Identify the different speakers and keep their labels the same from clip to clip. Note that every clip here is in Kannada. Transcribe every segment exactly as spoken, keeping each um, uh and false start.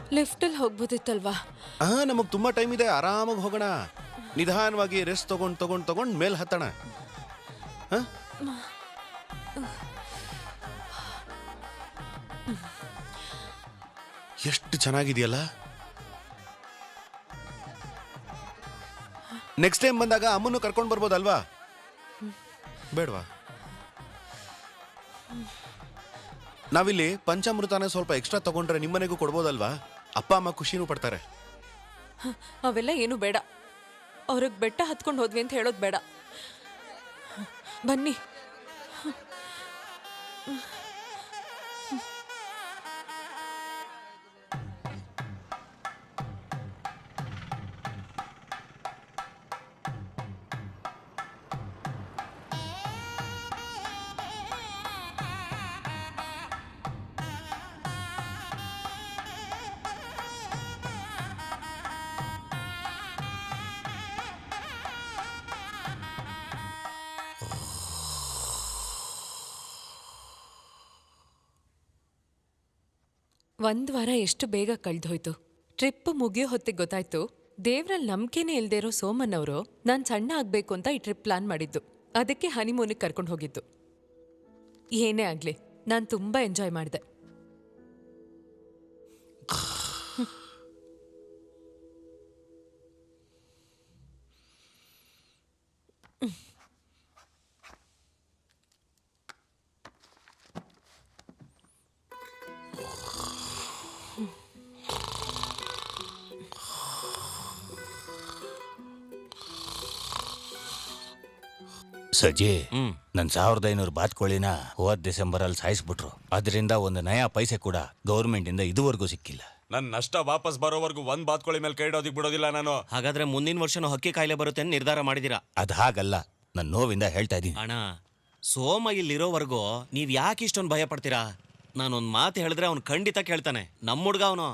Speaker 1: ಲಿಫ್ಟಲ್ಲಿ ಹೋಗ್ಬೋದಿತ್ತಲ್ವಾ?
Speaker 2: ಹಾ, ನಮಗ್ ತುಂಬಾ ಟೈಮ್ ಇದೆ, ಆರಾಮಾಗಿ ಹೋಗೋಣ. ನಿಧಾನವಾಗಿ ರೆಸ್ಟ್ ತಗೊಂಡ್ ತಗೊಂಡ್ ತಗೊಂಡ್ ಮೇಲ್ ಹತ್ತಣ. ಎಷ್ಟು ಚೆನ್ನಾಗಿದೆಯಲ್ಲ. ನೆಕ್ಸ್ಟ್ ಟೈಮ್ ಬಂದಾಗ ಅಮ್ಮನ್ನು ಕರ್ಕೊಂಡು ಬರ್ಬೋದಲ್ವಾ? ಬೇಡವಾ? ನಾವಿಲ್ಲಿ ಪಂಚಾಮೃತನ ಸ್ವಲ್ಪ ಎಕ್ಸ್ಟ್ರಾ ತಗೊಂಡ್ರೆ ನಿಮ್ಮನೆಗೂ ಕೊಡ್ಬೋದಲ್ವಾ? ಅಪ್ಪ ಅಮ್ಮ ಖುಷಿನೂ ಪಡ್ತಾರೆ.
Speaker 1: ಅವೆಲ್ಲ ಏನು ಬೇಡ. ಅವ್ರಿಗೆ ಬೆಟ್ಟ ಹತ್ಕೊಂಡು ಹೋದ್ವಿ ಅಂತ ಹೇಳೋದು ಬೇಡ. ಬನ್ನಿ. ಒಂದ್ ವಾರ ಎಷ್ಟು ಬೇಗ ಕಳ್ದೋಯ್ತು. ಟ್ರಿಪ್ ಮುಗಿಯೋ ಹೊತ್ತಿಗೆ ಗೊತ್ತಾಯ್ತು ದೇವ್ರಲ್ಲಿ ನಂಬಿಕೆನೇ ಇಲ್ದೇ ಇರೋ ಸೋಮನ್ ಅವರು ನಾನು ಸಣ್ಣ ಆಗ್ಬೇಕು ಅಂತ ಈ ಟ್ರಿಪ್ ಪ್ಲಾನ್ ಮಾಡಿದ್ದು. ಅದಕ್ಕೆ ಹನಿಮೂನಿಗೆ ಕರ್ಕೊಂಡು ಹೋಗಿದ್ದು. ಏನೇ ಆಗ್ಲಿ ನಾನು ತುಂಬಾ ಎಂಜಾಯ್ ಮಾಡಿದೆ.
Speaker 3: ಸಜ್ಜಿ, ನನ್ ಸಾವಿರದ ಐನೂರು ಬಾತ್ಕೋಳಿನ ಹೋದ್ ಡಿಸೆಂಬರ್ ಅಲ್ಲಿ ಸಾಯಿಸ್ಬಿಟ್ರು. ಅದರಿಂದ ಒಂದು ನಯಾ ಪೈಸೆ ಕೂಡ ಗೌರ್ಮೆಂಟ್ ಇಂದ ಇದುವರೆಗೂ ಸಿಕ್ಕಿಲ್ಲ.
Speaker 4: ನನ್ ನಷ್ಟ ವಾಪಸ್ ಬರೋವರೆಗೂ ಒಂದ್ ಬಾತ್ಕೋಳಿ ಮೇಲೆ ಕೈ ಇಡೋದಿಕ್ ಬಿಡೋದಿಲ್ಲ ನಾನು.
Speaker 5: ಹಾಗಾದ್ರೆ ಮುಂದಿನ ವರ್ಷನೂ ಹಕ್ಕಿ ಕಾಯಿಲೆ ಬರುತ್ತೆ ಅಂತ ನಿರ್ಧಾರ ಮಾಡಿದೀರಾ?
Speaker 3: ಅದ್ ಹಾಗಲ್ಲ, ನನ್ ನೋವಿಂದ ಹೇಳ್ತಾ ಇದೀನಿ.
Speaker 5: ಅಣ್ಣ, ಸೋಮ ಇಲ್ಲಿರೋವರೆಗೂ ನೀವ್ ಯಾಕೆ ಇಷ್ಟೊಂದು ಭಯ ಪಡ್ತೀರಾ? ನಾನೊಂದ್ ಮಾತು ಹೇಳಿದ್ರೆ ಅವ್ನು ಖಂಡಿತ ಕೇಳ್ತಾನೆ. ನಮ್ಮ ಹುಡ್ಗ ಅವನು.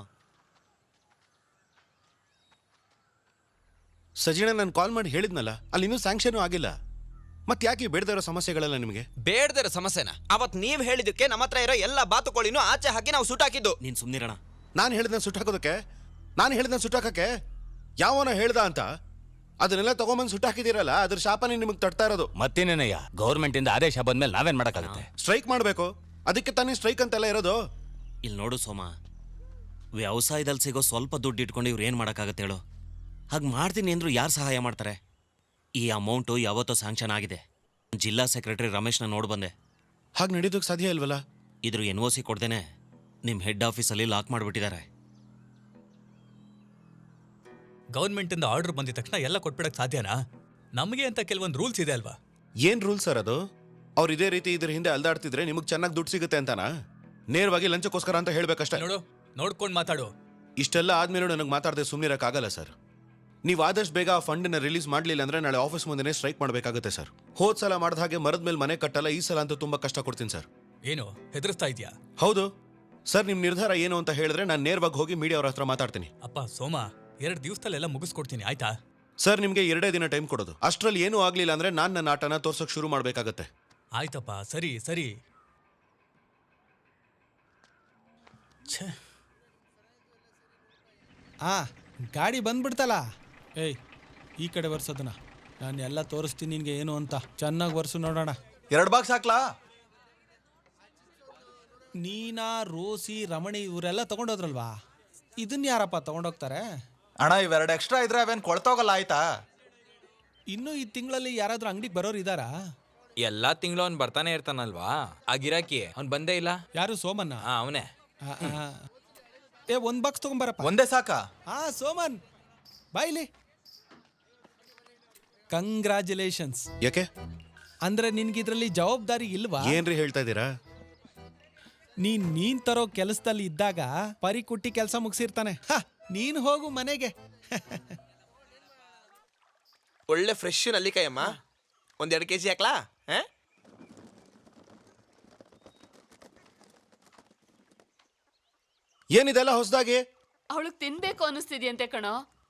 Speaker 2: ಸಜಿಣ, ನಾನು ಕಾಲ್ ಮಾಡಿ ಹೇಳಿದ್ನಲ್ಲ, ಅಲ್ಲಿ ಇನ್ನೂ ಸ್ಯಾಂಕ್ಷನ್ ಆಗಿಲ್ಲ. ಮತ್ತೆ ಯಾಕೆ ಬೇಡದೇ ಇರೋ ಸಮಸ್ಯೆಗಳೆಲ್ಲ ನಿಮಗೆ?
Speaker 6: ಬೇಡದೇ ಇರೋ ಸಮಸ್ಯೆನ ಅವತ್ ನೀವ್ ಹೇಳಿದಕ್ಕೆ ನಮ್ಮ ಹತ್ರ ಇರೋ ಎಲ್ಲ ಬಾತುಕೋಳಿನೂ ಆಚೆ ಹಾಕಿ ನಾವು ಸುಟ್ಟಾಕಿದ್ದು.
Speaker 5: ನೀನ್ ಸುಮ್ನಿರಣ.
Speaker 2: ನಾನು ಹೇಳಿದ್ನ ಸುಟ್ಟಾಕೋದಕ್ಕೆ? ನಾನು ಹೇಳಿದ್ನ ಸುಟ್ಟಾಕಕ್ಕೆ ಯಾವನ ಹೇಳ್ದ ಅಂತ ಅದನ್ನೆಲ್ಲ ತಗೊಂಬಂದು ಸುಟ್ಟಾಕಿದಿರಲ್ಲ, ಅದ್ರ ಶಾಪನೇ ನಿಮಗೆ ತಡ್ತಾ ಇರೋದು.
Speaker 3: ಮತ್ತೇನೇನಯ್ಯ, ಗೌರ್ಮೆಂಟ್ ಇಂದ ಆದೇಶ ಬಂದ್ಮೇಲೆ ನಾವೇನ್ ಮಾಡಕ್ಕಾಗುತ್ತೆ?
Speaker 2: ಸ್ಟ್ರೈಕ್ ಮಾಡಬೇಕು. ಅದಕ್ಕೆ ತಾನೇ ಸ್ಟ್ರೈಕ್ ಅಂತೆಲ್ಲ ಇರೋದು.
Speaker 5: ಇಲ್ಲಿ ನೋಡು ಸೋಮ, ವ್ಯವಸಾಯದಲ್ಲಿ ಸಿಗೋ ಸ್ವಲ್ಪ ದುಡ್ಡು ಇಟ್ಕೊಂಡು ಇವ್ರು ಏನ್ ಮಾಡಕ್ಕಾಗತ್ತೆ ಹೇಳು? ಹಾಗೆ ಮಾಡ್ತೀನಿ ಅಂದ್ರು ಯಾರು ಸಹಾಯ ಮಾಡ್ತಾರೆ? ಈ ಅಮೌಂಟು ಯಾವತ್ತೋ ಸ್ಯಾಂಕ್ಷನ್ ಆಗಿದೆ. ಜಿಲ್ಲಾ ಸೆಕ್ರೆಟರಿ ರಮೇಶ್ನ ನೋಡ್ ಬಂದೆ.
Speaker 2: ಹಾಗೆ ನಡೀದಕ್ಕೆ ಸಾಧ್ಯ ಇಲ್ವಲ್ಲ?
Speaker 5: ಇದ್ರ ಎನ್ ಒ ಸಿ ಕೊಡ್ದೇನೆ ನಿಮ್ ಹೆಡ್ ಆಫೀಸಲ್ಲಿ ಲಾಕ್ ಮಾಡಿಬಿಟ್ಟಿದ್ದಾರೆ.
Speaker 7: ಗೌರ್ಮೆಂಟ್ ಇಂದ ಆರ್ಡರ್ ಬಂದಿದ ತಕ್ಷಣ ಎಲ್ಲ ಕೊಟ್ಬಿಡಕ್ ಸಾಧ್ಯನಾ? ನಮಗೆ ಅಂತ ಕೆಲವೊಂದು ರೂಲ್ಸ್ ಇದೆ ಅಲ್ವಾ?
Speaker 2: ಏನ್ ರೂಲ್ ಸರ್ ಅದು? ಅವ್ರು ಇದೇ ರೀತಿ ಇದ್ರ ಹಿಂದೆ ಅಲ್ದಾಡ್ತಿದ್ರೆ ನಿಮಗೆ ಚೆನ್ನಾಗಿ ದುಡ್ಡು ಸಿಗುತ್ತೆ ಅಂತಾನಾ? ನೇರವಾಗಿ ಲಂಚಕ್ಕೋಸ್ಕರ ಅಂತ ಹೇಳ್ಬೇಕಷ್ಟೇ.
Speaker 7: ನೋಡು, ನೋಡ್ಕೊಂಡು ಮಾತಾಡು.
Speaker 2: ಇಷ್ಟೆಲ್ಲ ಆದ್ಮೇಲೆ ನನಗೆ ಮಾತಾಡದೆ ಸುಮ್ಮನಿರಕ್ಕಾಗಲ್ಲ ಸರ್. ನೀವು ಆದಷ್ಟು ಬೇಗ ಆ ಫಂಡನ್ನ ರಿಲೀಸ್ ಮಾಡಲಿಲ್ಲ ಅಂದ್ರೆ ನಾಳೆ ಆಫೀಸ್ ಮುಂದೆ ಸ್ಟ್ರೈಕ್ ಮಾಡಬೇಕಾಗುತ್ತೆ ಸರ್. ಹೋದ್ ಸಲ ಮಾಡಿದ ಹಾಗೆ ಮರದ ಮೇಲೆ ಮನೆ ಕಟ್ಟಲ್ಲ, ಈ ಸಲ ಅಂತೂ ತುಂಬಾ ಕಷ್ಟ ಕೊಡ್ತೀನಿ ಸರ್.
Speaker 7: ಏನು ಹೆದರ್ಸ್ತಾ ಇದೆಯಾ?
Speaker 2: ಹೌದು ಸರ್. ನಿಮ್ ನಿರ್ಧಾರ ಏನು ಅಂತ ಹೇಳಿದ್ರೆ ನಾನು ನೇರವಾಗಿ ಹೋಗಿ ಮೀಡಿಯಾ ಅವ್ರ ಹತ್ರ ಮಾತಾಡ್ತೀನಿ.
Speaker 7: ಅಪ್ಪ ಸೋಮ, ಎರಡು ದಿವಸದಲ್ಲೆಲ್ಲ ಮುಗಿಸ್ಕೊಡ್ತೀನಿ, ಆಯ್ತಾ?
Speaker 2: ಸರ್, ನಿಮ್ಗೆ ಎರಡೇ ದಿನ ಟೈಮ್ ಕೊಡೋದು. ಅಷ್ಟರಲ್ಲಿ ಏನೂ ಆಗ್ಲಿಲ್ಲ ಅಂದ್ರೆ ನಾನು ನನ್ನ ಆಟನ ತೋರ್ಸೋಕ್ ಶುರು ಮಾಡ್ಬೇಕಾಗತ್ತೆ.
Speaker 7: ಆಯ್ತಪ್ಪ, ಸರಿ ಸರಿ.
Speaker 8: ಆ ಗಾಡಿ ಬಂದ್ಬಿಡ್ತಲ್ಲ. ಏಯ್, ಈ ಕಡೆ ಬರ್ಸೋದನ್ನ ನಾನು ಎಲ್ಲ ತೋರಿಸ್ತೀನಿ ನಿನ್ಗೆ ಏನು ಅಂತ. ಚೆನ್ನಾಗಿ ಬರ್ಸು ನೋಡೋಣ.
Speaker 9: ಎರಡು ಬಾಕ್ಸ್ ಹಾಕ್ಲಾ?
Speaker 8: ನೀನಾ, ರೋಸಿ, ರಮಣಿ ಇವರೆಲ್ಲ ತಗೊಂಡೋದ್ರಲ್ವಾ? ಇದನ್ನ ಯಾರಪ್ಪ ತಗೊಂಡೋಗ್ತಾರೆ?
Speaker 9: ಅಣ್ಣ, ಇವೆರಡು ಎಕ್ಸ್ಟ್ರಾ ಇದ್ರೆ ಅವೇನು ಕೊಳ್ತೋಗಲ್ಲ, ಆಯ್ತಾ?
Speaker 8: ಇನ್ನೂ ಈ ತಿಂಗಳಲ್ಲಿ ಯಾರಾದ್ರೂ ಅಂಗಡಿಗೆ ಬರೋರು ಇದ್ದಾರಾ?
Speaker 6: ಎಲ್ಲಾ ತಿಂಗಳು ಅವ್ನು ಬರ್ತಾನೆ ಇರ್ತಾನಲ್ವಾ ಆ ಗಿರಾಕಿ. ಅವ್ನು ಬಂದೇ ಇಲ್ಲ.
Speaker 8: ಯಾರು? ಸೋಮನ್ನ?
Speaker 6: ಹಾ, ಅವನೇ.
Speaker 8: ಏ, ಒಂದ್ ಬಾಕ್ಸ್ ತಗೊಂಬರಪ್ಪ.
Speaker 9: ಒಂದೇ ಸಾಕಾ?
Speaker 8: ಹಾ, ಸೋಮನ್ ಬಾಯ್ಲಿ. ಕಂಗ್ರಾಚುಲೇಷನ್ಸ್.
Speaker 2: ಯಾಕೆ
Speaker 8: ಅಂದ್ರೆ ನಿನ್ಗಿದ್ರಲ್ಲಿ ಜವಾಬ್ದಾರಿ ಇಲ್ವಾ?
Speaker 2: ಏನ್ರಿ ಹೇಳ್ತಾ ಇದ್ದೀರಾ?
Speaker 8: ನೀನ್ ನೀನ್ ತರೋ ಕೆಲಸದಲ್ಲಿ ಇದ್ದಾಗ ಪರಿ ಕುಟ್ಟಿ ಕೆಲಸ ಮುಗಿಸಿರ್ತಾನೆ. ನೀನ್ ಹೋಗು ಮನೆಗೆ.
Speaker 6: ಒಳ್ಳೆ ಫ್ರೆಶ್ ನಲ್ಲಿಕಾಯಮ್ಮ. ಒಂದೆರಡು ಕೆ ಜಿ ಹಾಕ್ಲಾ?
Speaker 2: ಏನಿದೆಲ್ಲ ಹೊಸದಾಗಿ?
Speaker 1: ಅವಳಿಗೆ ತಿನ್ಬೇಕು ಅನಿಸ್ತಿದ್ಯಂತೆ ಕಣೋ.